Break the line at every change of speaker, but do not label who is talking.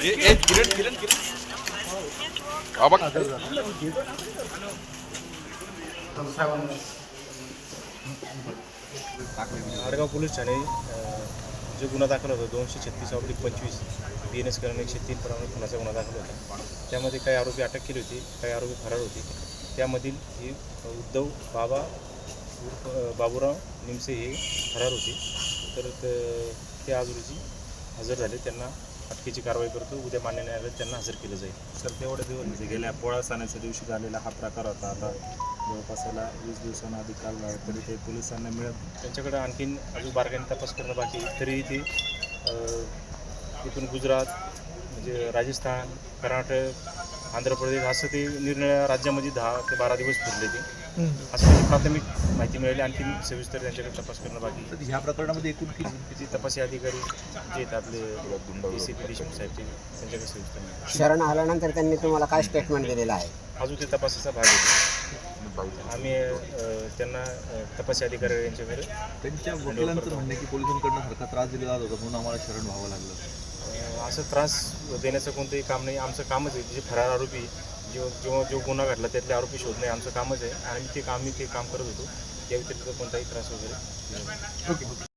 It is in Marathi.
आडगाव पोलीस ठाणे जो गुन्हा दाखल होता 236/25 BNS कलम 103 प्रमाणे खुनाचा गुन्हा दाखल होता. त्यामध्ये काही आरोपी अटक केली होती, काही आरोपी फरार होते. त्यामधील ही उद्धव बाबूराव निमसे हे फरार होते. तर ते आज रोजी हजर झाले. त्यांना अटकेची कारवाई करतो. उद्या मान्य न्यायालयात त्यांना हजर केलं जाईल.
सर तेवढे दिवस म्हणजे गेल्या पोळा सणाच्या दिवशी झालेला हा प्रकार होता. आता जवळपासाला 20 दिवसांना अधिक काल झाला तरी ते पोलिसांना मिळत
त्यांच्याकडे आणखीन अजून बारकाईने तपास करणं बाकी. तरीही ते इथून गुजरात म्हणजे राजस्थान, कर्नाटक, आंध्र प्रदेश असं ते निरनिळ्या राज्यामध्ये 10 ते 12 दिवस फिरले ते. असं म्हणजे प्राथमिक माहिती मिळाली. आणखीन सविस्तर त्यांच्याकडे तपास करणं बाकी.
ह्या प्रकरणामध्ये एकूण
किती तपासी अधिकारी जे आहेत आपले DCP देशमुख साहेबचे त्यांच्याकडे सविस्तर माहिती.
शरण आल्यानंतर त्यांनी तुम्हाला काय स्टेटमेंट दिलेलं आहे?
अजून ते तपासाचा भाग आहे. आम्ही त्यांना तपासी अधिकारी यांच्याकडे
त्यांच्या वकिलांचं म्हणणं की पोलिसांकडनं सारखा त्रास दिला जात होता म्हणून आम्हाला शरण व्हावं लागलं.
असं त्रास देण्याचं कोणतंही काम नाही. आमचं कामच आहे जे फरार आरोपी जो गुन्हा घडला त्यातले आरोपी शोधणे आमचं कामच आहे आणि आम्ही ते काम करत होतो. या व्यतिरिक्त कोणताही त्रास वगैरे